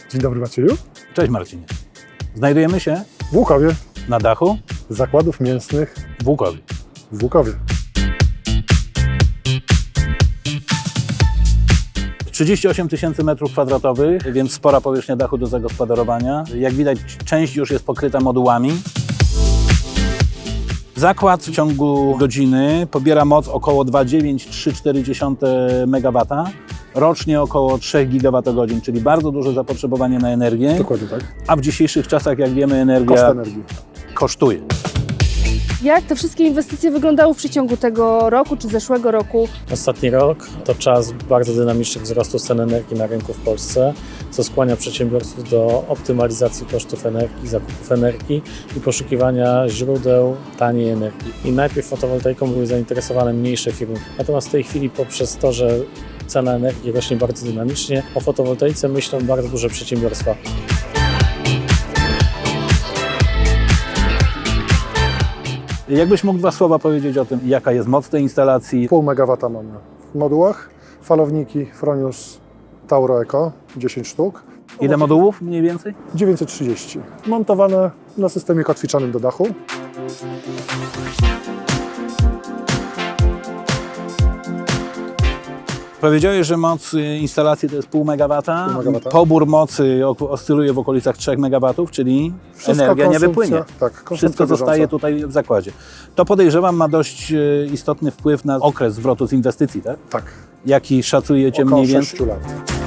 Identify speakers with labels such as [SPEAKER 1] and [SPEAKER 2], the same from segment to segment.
[SPEAKER 1] Dzień dobry Macieju.
[SPEAKER 2] Cześć Marcinie. Znajdujemy się
[SPEAKER 1] W Łukowie.
[SPEAKER 2] na dachu
[SPEAKER 1] Zakładów mięsnych
[SPEAKER 2] w Łukowie.
[SPEAKER 1] w Łukowie.
[SPEAKER 2] 38 000 m2, więc spora powierzchnia dachu do zagospodarowania. Jak widać, część już jest pokryta modułami. Zakład w ciągu godziny pobiera moc około 2,9-3,4 MW. Rocznie około 3 GWh, czyli bardzo duże zapotrzebowanie na energię.
[SPEAKER 1] Dokładnie tak.
[SPEAKER 2] A w dzisiejszych czasach, jak wiemy, energia
[SPEAKER 1] Koszt energii.
[SPEAKER 2] kosztuje.
[SPEAKER 3] Jak te wszystkie inwestycje wyglądały w przeciągu tego roku czy zeszłego roku?
[SPEAKER 4] Ostatni rok to czas bardzo dynamicznych wzrostu cen energii na rynku w Polsce, co skłania przedsiębiorców do optymalizacji kosztów energii, zakupów energii i poszukiwania źródeł taniej energii. I najpierw fotowoltaiką były zainteresowane mniejsze firmy. Natomiast w tej chwili poprzez to, że cena energii rośnie bardzo dynamicznie, o fotowoltaice myślą bardzo duże przedsiębiorstwa.
[SPEAKER 2] Jakbyś mógł 2 słowa powiedzieć o tym, jaka jest moc tej instalacji?
[SPEAKER 1] 0,5 MW mamy w modułach. Falowniki Fronius Tauro Eco, 10 sztuk.
[SPEAKER 2] Ile modułów mniej więcej?
[SPEAKER 1] 930. Montowane na systemie kotwiczanym do dachu.
[SPEAKER 2] Powiedziałeś, że moc instalacji to jest 0,5 MW.
[SPEAKER 1] 0,5 MW.
[SPEAKER 2] Pobór mocy oscyluje w okolicach 3 MW, czyli
[SPEAKER 1] Wszystko
[SPEAKER 2] energia nie
[SPEAKER 1] konsumpcja-
[SPEAKER 2] wypłynie.
[SPEAKER 1] Tak, konsumpcja
[SPEAKER 2] Wszystko zostaje
[SPEAKER 1] bieżąca.
[SPEAKER 2] tutaj w zakładzie. To podejrzewam ma dość istotny wpływ na okres zwrotu z inwestycji, tak?
[SPEAKER 1] Tak,
[SPEAKER 2] Jaki szacujecie
[SPEAKER 1] około
[SPEAKER 2] mniej
[SPEAKER 1] 6
[SPEAKER 2] więcej?
[SPEAKER 1] lat.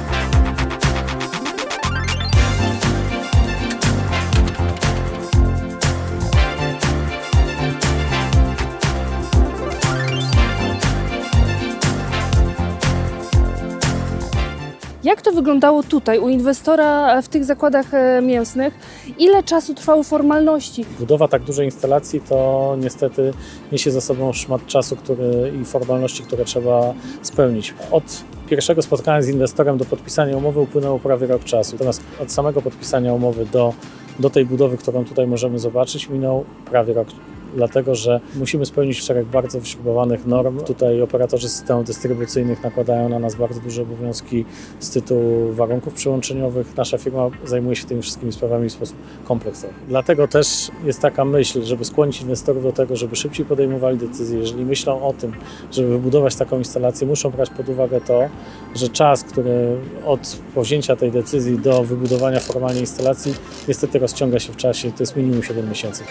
[SPEAKER 3] Jak to wyglądało tutaj u inwestora w tych zakładach mięsnych? Ile czasu trwały formalności?
[SPEAKER 4] Budowa tak dużej instalacji to niestety niesie za sobą szmat czasu i formalności, które trzeba spełnić. Od pierwszego spotkania z inwestorem do podpisania umowy upłynęło prawie rok czasu. Natomiast od samego podpisania umowy do tej budowy, którą tutaj możemy zobaczyć, minął prawie rok. Dlatego, że musimy spełnić szereg bardzo wyśrubowanych norm. Tutaj operatorzy systemów dystrybucyjnych nakładają na nas bardzo duże obowiązki z tytułu warunków przyłączeniowych. Nasza firma zajmuje się tymi wszystkimi sprawami w sposób kompleksowy. Dlatego też jest taka myśl, żeby skłonić inwestorów do tego, żeby szybciej podejmowali decyzje. Jeżeli myślą o tym, żeby wybudować taką instalację, muszą brać pod uwagę to, że czas, który od powzięcia tej decyzji do wybudowania formalnej instalacji niestety rozciąga się w czasie. To jest minimum 7 miesięcy.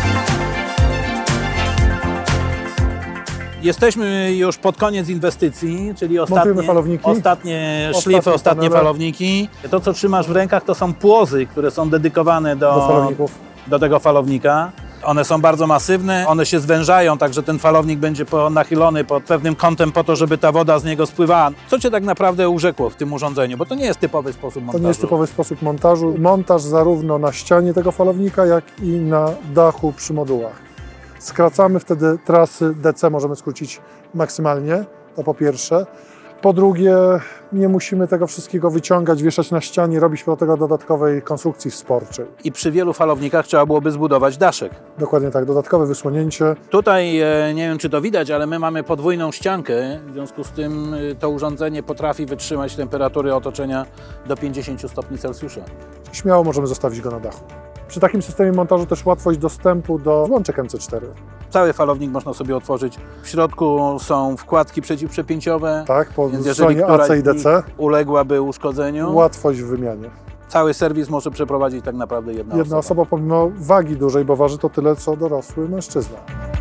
[SPEAKER 2] Jesteśmy już pod koniec inwestycji, czyli
[SPEAKER 1] Montujemy falowniki.
[SPEAKER 2] ostatnie szlify, ostatnie
[SPEAKER 1] panele.
[SPEAKER 2] falowniki. To, co trzymasz w rękach, to są płozy, które są dedykowane
[SPEAKER 1] Do falowników.
[SPEAKER 2] do tego falownika. One są bardzo masywne, one się zwężają, tak że ten falownik będzie nachylony pod pewnym kątem po to, żeby ta woda z niego spływała. Co Cię tak naprawdę urzekło w tym urządzeniu? Bo to nie jest typowy sposób montażu.
[SPEAKER 1] To nie jest typowy sposób montażu. Montaż zarówno na ścianie tego falownika, jak i na dachu przy modułach. Skracamy wtedy trasy DC, możemy skrócić maksymalnie, to po pierwsze. Po drugie, nie musimy tego wszystkiego wyciągać, wieszać na ścianie, robić do tego dodatkowej konstrukcji wsporczej.
[SPEAKER 2] I przy wielu falownikach trzeba byłoby zbudować daszek.
[SPEAKER 1] Dokładnie tak, dodatkowe wysłonięcie.
[SPEAKER 2] Tutaj, nie wiem czy to widać, ale my mamy podwójną ściankę, w związku z tym to urządzenie potrafi wytrzymać temperatury otoczenia do 50 stopni Celsjusza.
[SPEAKER 1] Śmiało możemy zostawić go na dachu. Przy takim systemie montażu też łatwość dostępu do złączek MC4.
[SPEAKER 2] Cały falownik można sobie otworzyć. W środku są wkładki przeciwprzepięciowe,
[SPEAKER 1] Tak, po
[SPEAKER 2] więc jeżeli
[SPEAKER 1] stronie
[SPEAKER 2] któraś
[SPEAKER 1] AC i
[SPEAKER 2] z nich
[SPEAKER 1] DC.
[SPEAKER 2] uległaby uszkodzeniu,
[SPEAKER 1] Łatwość w wymianie.
[SPEAKER 2] cały serwis może przeprowadzić tak naprawdę jedna
[SPEAKER 1] Osoba pomimo wagi dużej, bo waży to tyle, co dorosły mężczyzna.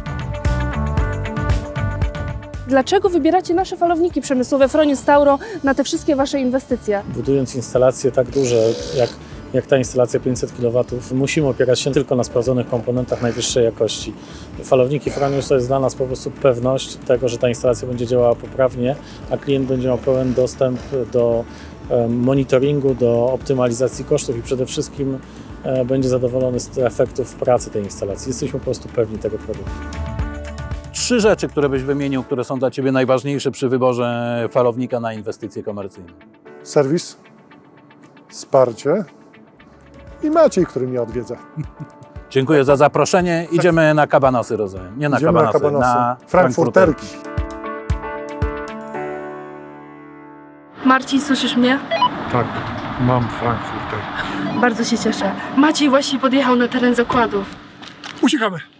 [SPEAKER 3] Dlaczego wybieracie nasze falowniki przemysłowe Fronius Tauro na te wszystkie Wasze inwestycje?
[SPEAKER 4] Budując instalacje tak duże, jak ta instalacja 500 kW, musimy opierać się tylko na sprawdzonych komponentach najwyższej jakości. Falowniki Fronius to jest dla nas po prostu pewność tego, że ta instalacja będzie działała poprawnie, a klient będzie miał pełen dostęp do monitoringu, do optymalizacji kosztów i przede wszystkim będzie zadowolony z efektów pracy tej instalacji. Jesteśmy po prostu pewni tego produktu.
[SPEAKER 2] 3 rzeczy, które byś wymienił, które są dla Ciebie najważniejsze przy wyborze falownika na inwestycje komercyjne.
[SPEAKER 1] Serwis, wsparcie i Maciej, który mnie odwiedza.
[SPEAKER 2] Dziękuję za zaproszenie. Idziemy na kabanosy, rozumiem. Nie na
[SPEAKER 1] Idziemy
[SPEAKER 2] kabanosy, na
[SPEAKER 1] frankfurterki.
[SPEAKER 3] Marcin, słyszysz mnie?
[SPEAKER 5] Tak, mam Frankfurt.
[SPEAKER 1] tutaj.
[SPEAKER 3] Bardzo się cieszę. Maciej właśnie podjechał na teren zakładów.
[SPEAKER 1] Uciekamy.